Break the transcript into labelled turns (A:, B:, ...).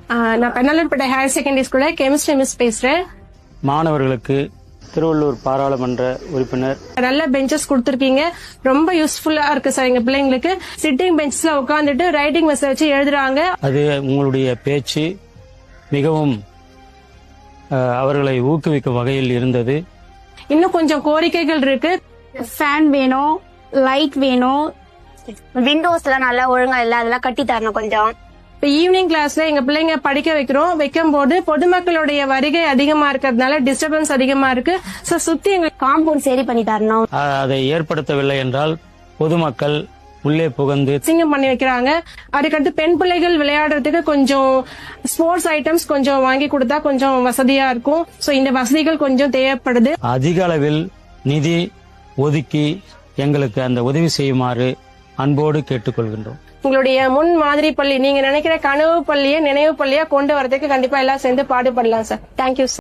A: நான் Pennalurpet higher secondary ஸ்கூல்ல chemistry miss பேசுறேன்.
B: மாணவர்களுக்கு திருவள்ளூர் பாராளுமன்ற உறுப்பினர்
A: நல்ல பெஞ்சஸ் கொடுத்திருக்கீங்க, ரொம்ப யூஸ்ஃபுல்லா இருக்கு சார். எங்க பிள்ளைங்களுக்கு சிட்டிங் பெஞ்ச்ல உட்காந்துட்டு ரைட்டிங் மெஸ் வச்சு எழுதுறாங்க.
B: அது உங்களுடைய பேச்சு மிகவும் அவர்களை ஊக்குவிக்கும் வகையில் இருந்தது.
A: இன்னும் கொஞ்சம் கோரிக்கைகள் இருக்கு.
C: ஃபேன் வேணும், லைட் வேணும், விண்டோஸ் எல்லாம் நல்லா ஒழுங்கா இல்ல, அதெல்லாம் கட்டி தரணும் கொஞ்சம்.
A: இப்ப ஈவினிங் கிளாஸ்ல எங்க பிள்ளைங்க படிக்க வைக்கும் போது பொதுமக்களுடைய வருகை அதிகமா இருக்கிறதுனால டிஸ்டர்பன்ஸ் அதிகமா இருக்கு. சோ சுத்தி எங்க
C: காம்பவுண்ட் சரி பண்ணி தரணும்.
B: அதை ஏற்படுத்தவில்லை என்றால் பொதுமக்கள் உள்ளே புகுந்து
A: சிங்கம் பண்ணி வைக்கிறாங்க. அதுக்கடுத்து பெண் பிள்ளைகள் விளையாடுறதுக்கு கொஞ்சம் ஸ்போர்ட்ஸ் ஐட்டம்ஸ் கொஞ்சம் வாங்கி கொடுத்தா கொஞ்சம் வசதியா இருக்கும். சோ இந்த வசதிகள் கொஞ்சம் தேவைப்படுது.
B: அதிக அளவில் நிதி ஒதுக்கி எங்களுக்கு அந்த உதவி செய்யுமாறு அன்போடு கேட்டுக்கொள்கின்றோம்.
A: உங்களுடைய முன் மாதிரி பள்ளி, நீங்க நினைக்கிற கனவு பள்ளியை நினைவு பள்ளியா கொண்டு வரதுக்கு கண்டிப்பா எல்லாம் சேர்ந்து பாடுபடலாம் சார். Thank you sir.